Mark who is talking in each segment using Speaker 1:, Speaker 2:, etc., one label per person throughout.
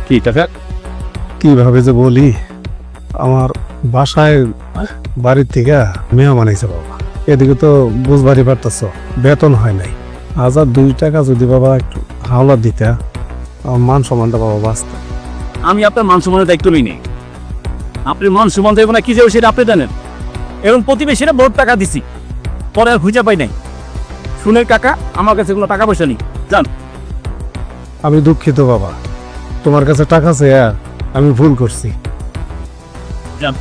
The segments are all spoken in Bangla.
Speaker 1: কি টাকা?
Speaker 2: কিভাবে যে বলি, আমার বাসায় বাড়ির থেকে মেহমান আইছে বাবা। এদিকে তো বুঝবারই পারতেছ, বেতন হয় নাই। 1002 টাকা যদি বাবা একটু হাওলা দিতে, আমার মান সম্মানটা বাবা বাঁচত।
Speaker 1: আমি আপনার মান সম্মানের দায়িত্ব নিই নি। আপনি মান সম্মান দেবো না কি যাবো সেটা আপনি জানেন। এরকম প্রতিবেশীরা বহুত টাকা দিছি, পরে আর খুঁজে পাই নাই। শুনের কাকা, আমার কাছে কোনো টাকা পয়সা নেই, জান।
Speaker 2: আমি দুঃখিত বাবা, তোমার কাছে টাকা চেয়ে আমি ভুল করছি।
Speaker 1: যান।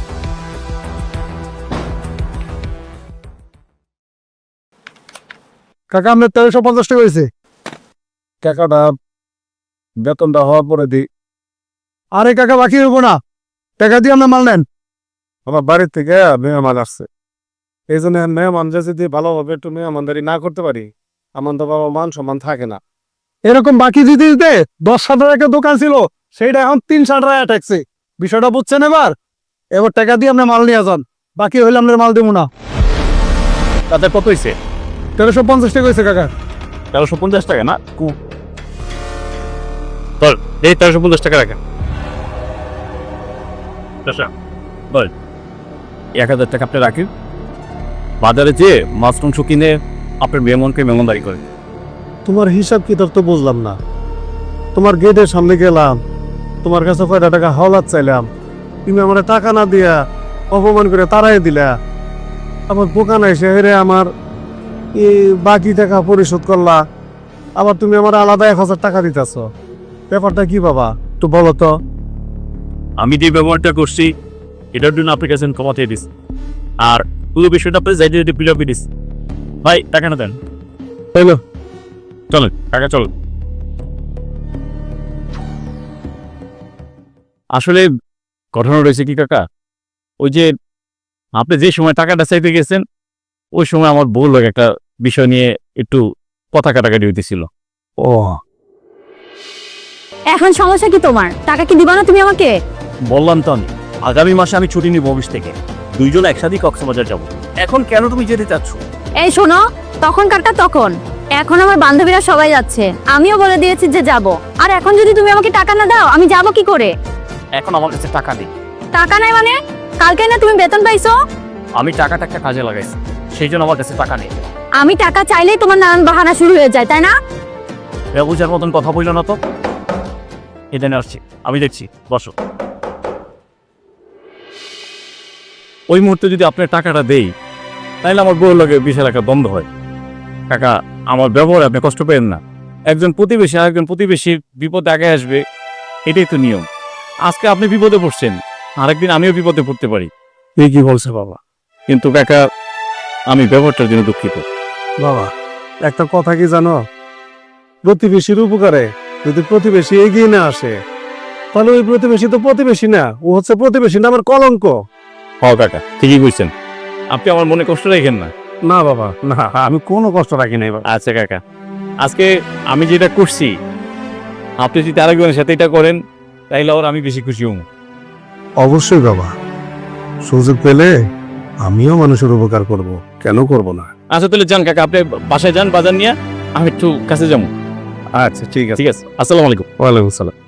Speaker 2: কাকা, আপনার 1350 টাকা হয়েছে। টাকাটা বেতনটা হওয়ার পরে দিই। আরে কাকা, বাকি হইব না, টাকা দিয়ে আপনার মাল নেন। আমার বাড়ির থেকে মেহমান আসছে, এই জন্য মেহমান যদি ভালোভাবে একটু মেহমানদারি না করতে পারি, আমার তো বাবা মান সম্মান থাকে না। এরকম বাকি দিতে দিতে 10,000 টাকা দোকান ছিল, সেইটা এখন 3,000 টাকা ঠেকছে। বিষয়টা বুঝছেন? এবার টাকা দিয়ে আপনি মাল নিয়ে যান, বাকি হইলে আপনার মাল দেবো না।
Speaker 1: তাদের কত হয়েছে?
Speaker 2: 1350 টাকা হয়েছে কাকা।
Speaker 1: 1350 টাকা না? বল, এই 1350 টাকা রাখেন। বল, 1000 টাকা আপনি রাখেন। বাজারে যেয়ে মাছ মাংস কিনে আপনার মেহমানকে মেহমানদারি করে।
Speaker 2: তোমার হিসাব কিতাব তো বুঝলাম না। তোমার গেটের সামনে গেলাম, তোমার কাছে কয়টা টাকা হাওলাত চাইলাম, তুমি আমার টাকা না দিয়া অপমান করে তাড়াই দিলা। আবার দোকান এসে হেরে আমার এই বাকি টাকা পরিশোধ করলা, আবার তুমি আমার আলাদা 1000 টাকা দিতেছ। ব্যাপারটা কি বাবা, একটু বলো তো।
Speaker 1: আমি যে ব্যবহারটা করছি এটার জন্য আপনার কাছে ক্ষমা চেয়ে দিস, আর পুরো বিষয়টা আপনি যাইতে যাইতে পিলাপি দিস। ভাই, টাকা না দেন।
Speaker 2: হ্যালো,
Speaker 1: চলেন কাকা, চল। আসলে ঘটনা রয়েছে কি কাকা, ওই যে আপনি যে সময় টাকাটা চাইতে গেছেন ওই সময় আমার বউ লোক একটা বিষয় নিয়ে একটু কথা কাটাকাটি হইতেছিল।
Speaker 2: ও
Speaker 3: এখন সমস্যা কি তোমার? টাকা কি দিবা না তুমি আমাকে?
Speaker 1: বললাম তো আমি আগামী মাসে আমি ছুটি নিব অফিস থেকে, দুইজন একসাথেই কক্সবাজার যাব। এখন কেন তুমি যেতে চাচ্ছ?
Speaker 3: এই শোনো, তখন কারটা তখন, এখন আমার বান্ধবীরা সবাই যাচ্ছে, আমিও বলে দিয়েছি যে যাব। আর এখন যদি তুমি আমাকে টাকা না দাও আমি যাব কি করে?
Speaker 1: এখন আমার কাছে টাকা নেই।
Speaker 3: টাকা নাই মানে? কালকে না তুমি বেতন পাইছো?
Speaker 1: আমি টাকাটা একটা কাজে লাগাইছি, সেই জন্য আমার কাছে টাকা নেই।
Speaker 3: আমি টাকা চাইলেই তোমার নানান বাহানা শুরু হয়ে যায়, তাই না?
Speaker 1: ব্যবসার মতন কথা বললো না তো। এখানে আসছি, আমি দেখছি, বসো। ওই মুহূর্তে যদি আপনার টাকাটা দেই তাহলে আমার বউর লগে বিশাল একটা দ্বন্দ্ব হয়। কাকা, আমার ব্যবহারে আপনি কষ্ট পেন না। একজন প্রতিবেশী আর একজন প্রতিবেশীর বিপদে আগে আসবে, এটাই তো নিয়ম। আজকে আপনি বিপদে পড়ছেন, আরেকদিন আমিও বিপদে পড়তে পারি।
Speaker 2: এই কি বলছে বাবা?
Speaker 1: কিন্তু কাকা, আমি ব্যবহারটার জন্য দুঃখিত।
Speaker 2: বাবা, একটা কথা কি জানো, প্রতিবেশীর উপকারে যদি প্রতিবেশী এগিয়ে না আসে, তাহলে ওই প্রতিবেশী তো প্রতিবেশী না, ও হচ্ছে প্রতিবেশী নামের কলঙ্ক।
Speaker 1: হ কাকা, ঠিকই বুঝছেন। আপনি আমার মনে কষ্ট রাখেন না।
Speaker 2: না বাবা, না, আমি কোনো কষ্ট রাখি নাই বাবা।
Speaker 1: আচ্ছা কাকা, আজকে আমি যেটা করছি আপনি যদি আরেকজনের সাথে এটা করেন তাইলে আর আমি বেশি খুশি হব।
Speaker 2: অবশ্যই বাবা, সুযোগ পেলে আমিও মানুষের উপকার করব, কেন করব না।
Speaker 1: আচ্ছা তাহলে যান কাকা, আপনি বাসায় যান বাজার নিয়ে, আমি একটু কাছে যাবো।
Speaker 2: আচ্ছা ঠিক আছে।
Speaker 1: ঠিক আছে, আসসালামু আলাইকুম।
Speaker 2: ওয়ালাইকুম আসসালাম।